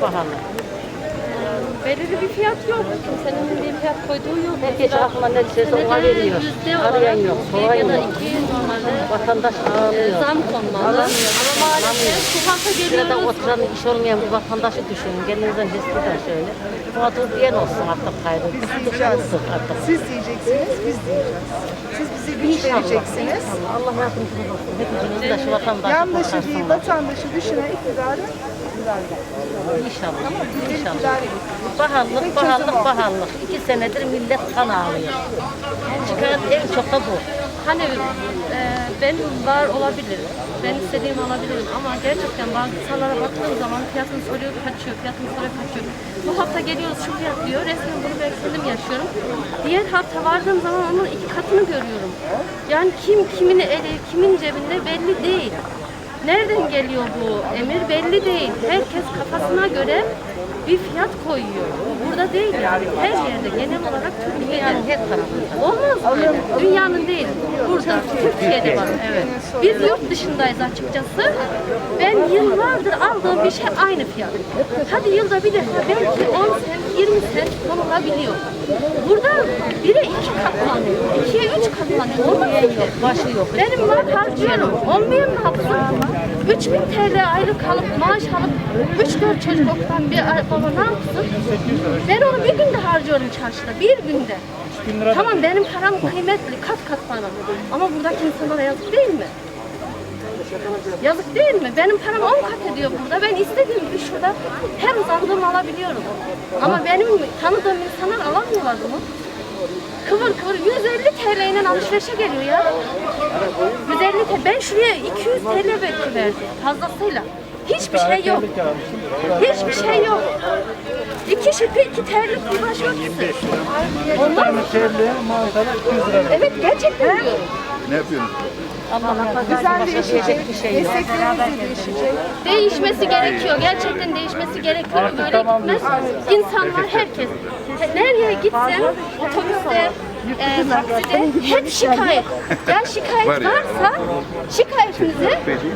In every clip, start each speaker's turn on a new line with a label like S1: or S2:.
S1: pahalı.
S2: Belirli bir fiyat yok. Kimsenin bir fiyat koyduğu yok.
S1: Herkes aklına ne düşerse ona veriyor. Arayan yok, soran
S2: ya da
S1: yok.
S2: 200 normalde
S1: Vatandaş ağlıyor.
S2: zam konmalı. Ama maalesef sokakta
S1: Şurada
S2: geliyoruz.
S1: oturan iş olmayan bir vatandaşı düşünün. Kendinizden hisseder şöyle. Mağdur diyen olsun artık gayrı.
S3: Biz diyeceğiz.
S1: Artık.
S3: Siz diyeceksiniz, biz diyeceğiz. Siz bize güç vereceksiniz.
S1: Allah yardımcınız olsun. Hepimizin de şu vatandaşı
S3: Yandaşı değil,
S1: kurtarsınlar.
S3: vatandaşı düşünen iktidarı
S1: İnşallah.
S3: iktidar
S1: İnşallah.
S3: edin.
S1: Pahalılık, pahalılık, pahalılık. 2 senedir millet kan ağlıyor. Çıkan en çok da bu.
S2: Hani ben var olabilirim. Ben istediğim alabilirim ama gerçekten bazı insanlara baktığım zaman fiyatını soruyor kaçıyor, fiyatını soruyor kaçıyor. Bu hafta geliyoruz şu fiyat diyor, resmen bunu ben kendim yaşıyorum. Diğer hafta vardığım zaman onun 2 katını görüyorum. Yani kim kimini eli, kimin cebinde belli değil. Nereden geliyor bu emir belli değil. Herkes kafasına göre bir fiyat koyuyor. Burada değil yani. Her yerde genel olarak Türkiye'de.
S1: Her tarafında.
S2: Olmaz böyle. Dünyanın değil. Burada Türkiye'de var. Evet. Biz yurt dışındayız açıkçası. Ben yıllardır aldığım bir şey aynı fiyat. Hadi yılda bir defa belki 10 sent, 20 sent konulabiliyor. Burada 1'e 2 katlanıyor. 2'ye 3 katlanıyor. Olmaz ki.
S1: Başı yok.
S2: Benim var harcıyorum. Olmayan ne yapsın? 3000 TL aylık alıp maaş alıp 3-4 çocuk okutan bir baba ne yapsın? Ben onu bir günde harcıyorum çarşıda. Bir günde. Tamam benim param kıymetli. Kat kat param. Ama buradaki insanlara yazık değil mi? Yazık değil mi? Benim param 10 kat ediyor burada. Ben istediğim gibi şurada her uzandığımı alabiliyorum. Ama benim tanıdığım insanlar alamıyorlar bunu. Kıvır kıvır 150 TL ile alışverişe geliyor ya. 150 TL. Ben şuraya 200 TL belki verdim fazlasıyla. Hiçbir şey yok. Hiçbir şey yok. 2 şipi 2 TL'lik bir başörtüsü. Ondan mı? Evet gerçekten diyorum.
S4: Ne yapıyorsun?
S1: Allah'ın
S3: Düzen değişecek,
S1: bir şey yok.
S3: mesleklerimiz de değişecek.
S2: Değişmesi gerekiyor. Gerçekten değişmesi gerekiyor. Böyle gitmez. İnsanlar herkes. Nereye gitsem otobüste, takside hep şikayet. Ya şikayet varsa şikayetinizi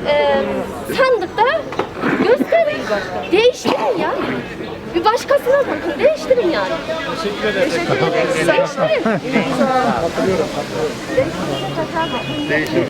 S2: sandıkta gösterin. Değiştirin ya. Bir başkasına bakın. Değiştirin yani.
S3: Teşekkür ederiz.
S2: Değiştirin.
S4: Değişim.